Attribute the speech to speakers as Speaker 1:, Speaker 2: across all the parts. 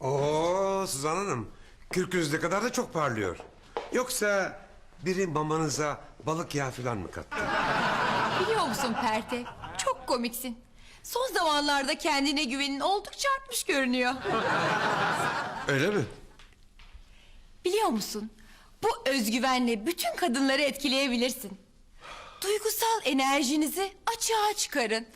Speaker 1: Oo Suzan Hanım, kürkünüz ne kadar da çok parlıyor. Yoksa biri mamanıza balık yağı falan mı kattı?
Speaker 2: Biliyor musun Perte? Çok komiksin. Son zamanlarda kendine güvenin oldukça artmış görünüyor.
Speaker 1: Öyle mi?
Speaker 2: Biliyor musun? Bu özgüvenle bütün kadınları etkileyebilirsin. Duygusal enerjinizi açığa çıkarın.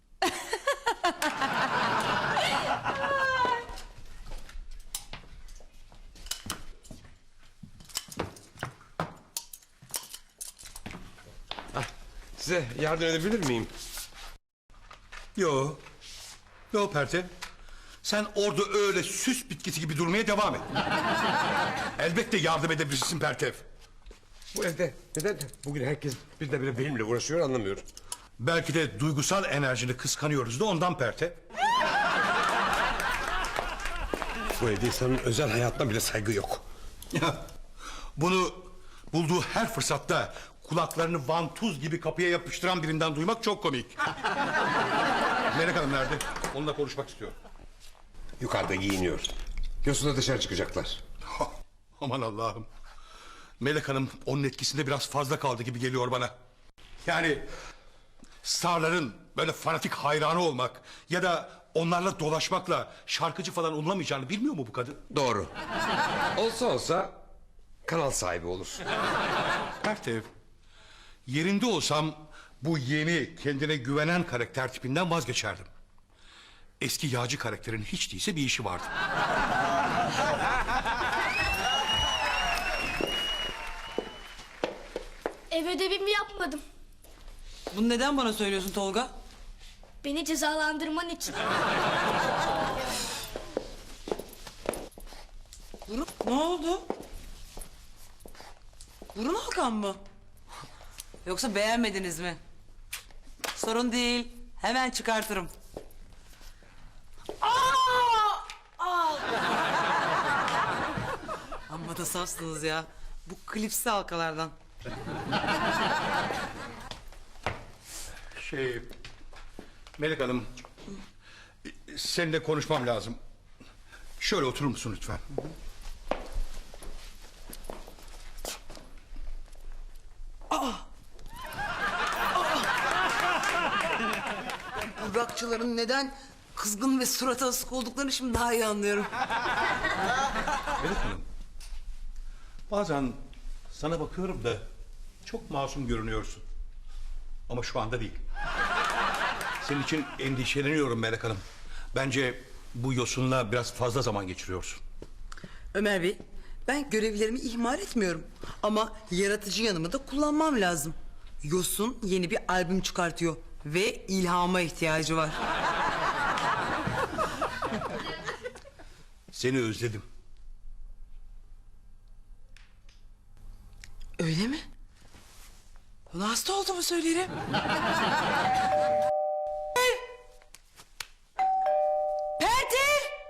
Speaker 1: Size yardım edebilir miyim?
Speaker 3: Yo. Yo Perte. Sen orada öyle süs bitkisi gibi durmaya devam et. Elbette yardım edebilirsin Pertev.
Speaker 1: Bu evde neden bugün herkes birdenbire benimle uğraşıyor anlamıyorum.
Speaker 3: Belki de duygusal enerjini kıskanıyoruz da ondan Pertev.
Speaker 1: Bu evde insanın özel hayatına bile saygı yok.
Speaker 3: Bunu bulduğu her fırsatta kulaklarını vantuz gibi kapıya yapıştıran birinden duymak çok komik. Melek Hanım nerede? Onunla konuşmak istiyorum.
Speaker 1: Yukarıda giyiniyor. Yosun'la dışarı çıkacaklar.
Speaker 3: Aman Allah'ım. Melek Hanım onun etkisinde biraz fazla kaldı gibi geliyor bana. Yani starların böyle fanatik hayranı olmak ya da onlarla dolaşmakla şarkıcı falan olunamayacağını bilmiyor mu bu kadın?
Speaker 1: Doğru. Olsa kanal sahibi olur.
Speaker 3: Pertev, yerinde olsam bu yeni kendine güvenen karakter tipinden vazgeçerdim. Eski yağcı karakterin hiç değilse bir işi vardı.
Speaker 4: Ev ödevimi yapmadım.
Speaker 5: Bunu neden bana söylüyorsun Tolga?
Speaker 4: Beni cezalandırman için.
Speaker 5: Burun ne oldu? Burun Hakan mı? Yoksa beğenmediniz mi? Sorun değil. Hemen çıkartırım. Amma da safsınız ya. Bu klipsi halkalardan.
Speaker 3: Melek Hanım, seninle konuşmam lazım. Şöyle oturur musun lütfen?
Speaker 5: Burakçıların neden kızgın ve surata asık olduklarını şimdi daha iyi anlıyorum.
Speaker 3: Melek Hanım, bazen sana bakıyorum da çok masum görünüyorsun. Ama şu anda değil. Senin için endişeleniyorum Melek Hanım. Bence bu Yosun'la biraz fazla zaman geçiriyorsun.
Speaker 5: Ömer Bey, ben görevlerimi ihmal etmiyorum. Ama yaratıcı yanımı da kullanmam lazım. Yosun yeni bir albüm çıkartıyor ve ilhama ihtiyacı var.
Speaker 3: Seni özledim.
Speaker 5: Öyle mi? Bana hasta olduğumu söylerim. Perde!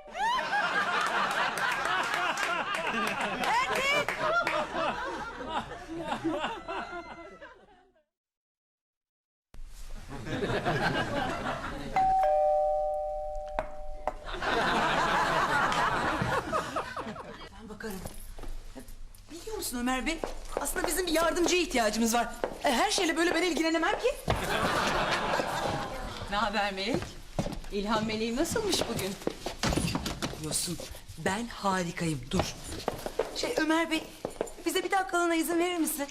Speaker 5: Ben bakarım. Biliyor musun Ömer Bey? Aslında bizim bir yardımcıya ihtiyacımız var. Her şeyle böyle ben ilgilenemem ki.
Speaker 2: Ne haber Melek? İlhan Meleği nasılmış bugün?
Speaker 5: Yosun, ben harikayım. Dur. Ömer Bey, bize bir dakikalığına izin verir misin?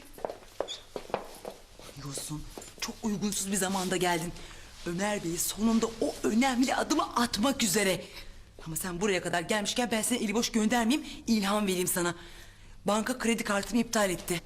Speaker 5: Yosun, çok uygunsuz bir zamanda geldin. Ömer Bey sonunda o önemli adımı atmak üzere. Ama sen buraya kadar gelmişken ben seni eli boş göndermeyeyim, ilham vereyim sana. Banka kredi kartımı iptal etti.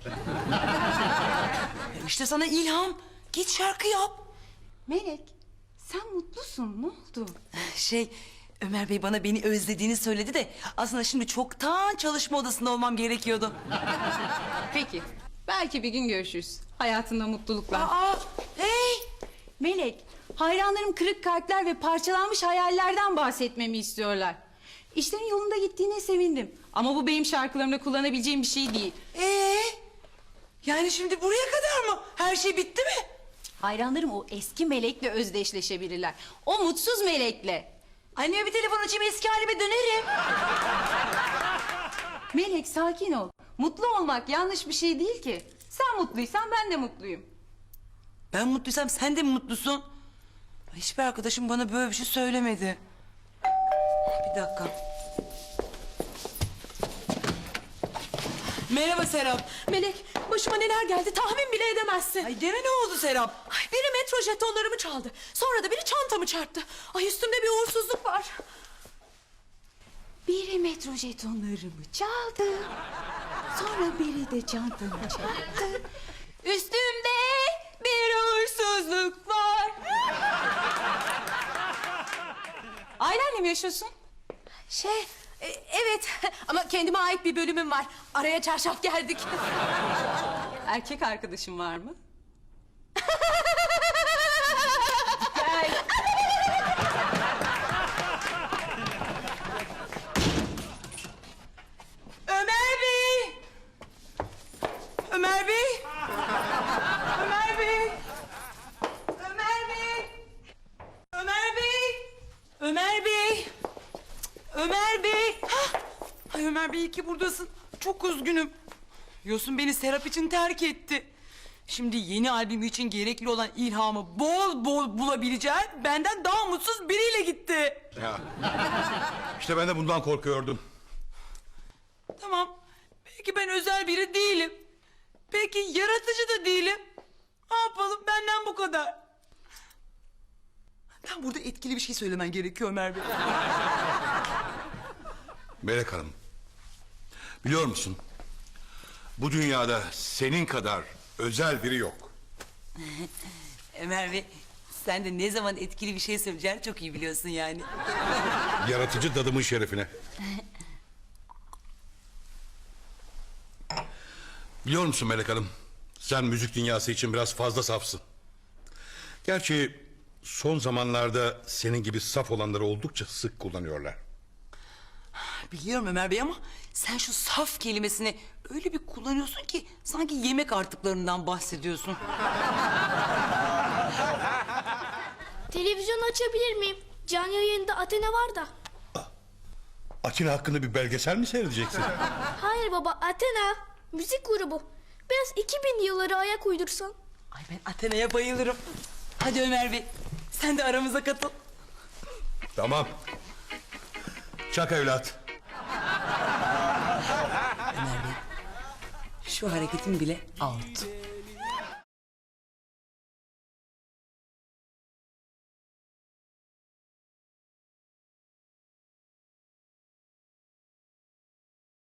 Speaker 5: İşte sana ilham. Git şarkı yap.
Speaker 2: Melek, sen mutlusun. Ne oldu?
Speaker 5: Ömer Bey bana beni özlediğini söyledi de aslında şimdi çoktan çalışma odasında olmam gerekiyordu.
Speaker 2: Peki, belki bir gün görüşürüz. Hayatında mutluluklar.
Speaker 5: Hey!
Speaker 2: Melek, hayranlarım kırık kalpler ve parçalanmış hayallerden bahsetmemi istiyorlar. İşlerin yolunda gittiğine sevindim. Ama bu benim şarkılarımda kullanabileceğim bir şey değil.
Speaker 5: Yani şimdi buraya kadar mı? Her şey bitti mi?
Speaker 2: Hayranlarım o eski melekle özdeşleşebilirler. O mutsuz melekle.
Speaker 5: Anneme bir telefon açayım, eski halime dönerim.
Speaker 2: Melek sakin ol. Mutlu olmak yanlış bir şey değil ki. Sen mutluysan ben de mutluyum.
Speaker 5: Ben mutluysam sen de mi mutlusun? Hiçbir arkadaşım bana böyle bir şey söylemedi. Bir dakika. Merhaba Serap.
Speaker 6: Melek, başıma neler geldi tahmin bile edemezsin.
Speaker 5: Ay deme, ne oldu Serap?
Speaker 6: Ay, biri metro jetonlarımı çaldı. Sonra da biri çantamı çarptı. Ay, üstümde bir uğursuzluk var.
Speaker 2: Biri metro jetonlarımı çaldı. Sonra biri de çantamı çarptı. Üstümde bir uğursuzluk var. Ailenle mi yaşıyorsun?
Speaker 6: Evet ama kendime ait bir bölümüm var. Araya çarşaf geldik.
Speaker 2: Erkek arkadaşın var mı?
Speaker 5: Ömer Bey! Ömer Bey! Ömer Bey! Ömer Bey! Ömer Bey! Ömer Bey! Ömer Bey! Hah! Ay Ömer Bey, iyi ki buradasın. Çok üzgünüm. Yosun beni Serap için terk etti. Şimdi yeni albüm için gerekli olan ilhamı bol bol bulabileceğim benden daha mutsuz biriyle gitti.
Speaker 3: Ya. İşte ben de bundan korkuyordum.
Speaker 5: Tamam. Belki ben özel biri değilim. Belki yaratıcı da değilim. Ne yapalım, benden bu kadar. Ben burada etkili bir şey söylemen gerekiyor Ömer Bey.
Speaker 3: Melek Hanım, biliyor musun? Bu dünyada senin kadar özel biri yok.
Speaker 5: Ömer Bey, sen de ne zaman etkili bir şey söyleyeceğini çok iyi biliyorsun yani.
Speaker 3: Yaratıcı dadımın şerefine. Biliyor musun Melek Hanım? Sen müzik dünyası için biraz fazla safsın. Gerçi son zamanlarda senin gibi saf olanları oldukça sık kullanıyorlar.
Speaker 5: Biliyorum Ömer Bey ama sen şu saf kelimesini öyle bir kullanıyorsun ki sanki yemek artıklarından bahsediyorsun.
Speaker 4: Televizyon açabilir miyim? Canlı yayında Athena var da.
Speaker 3: Atina hakkında bir belgesel mi seyredeceksin?
Speaker 4: Hayır baba, Athena müzik grubu. Biraz 2000 yılları ayak uydursan.
Speaker 5: Ay ben Athena'ya bayılırım. Hadi Ömer Bey, sen de aramıza katıl.
Speaker 3: Tamam. Çak evlat.
Speaker 5: Ömer Bey, şu hareketin bile out.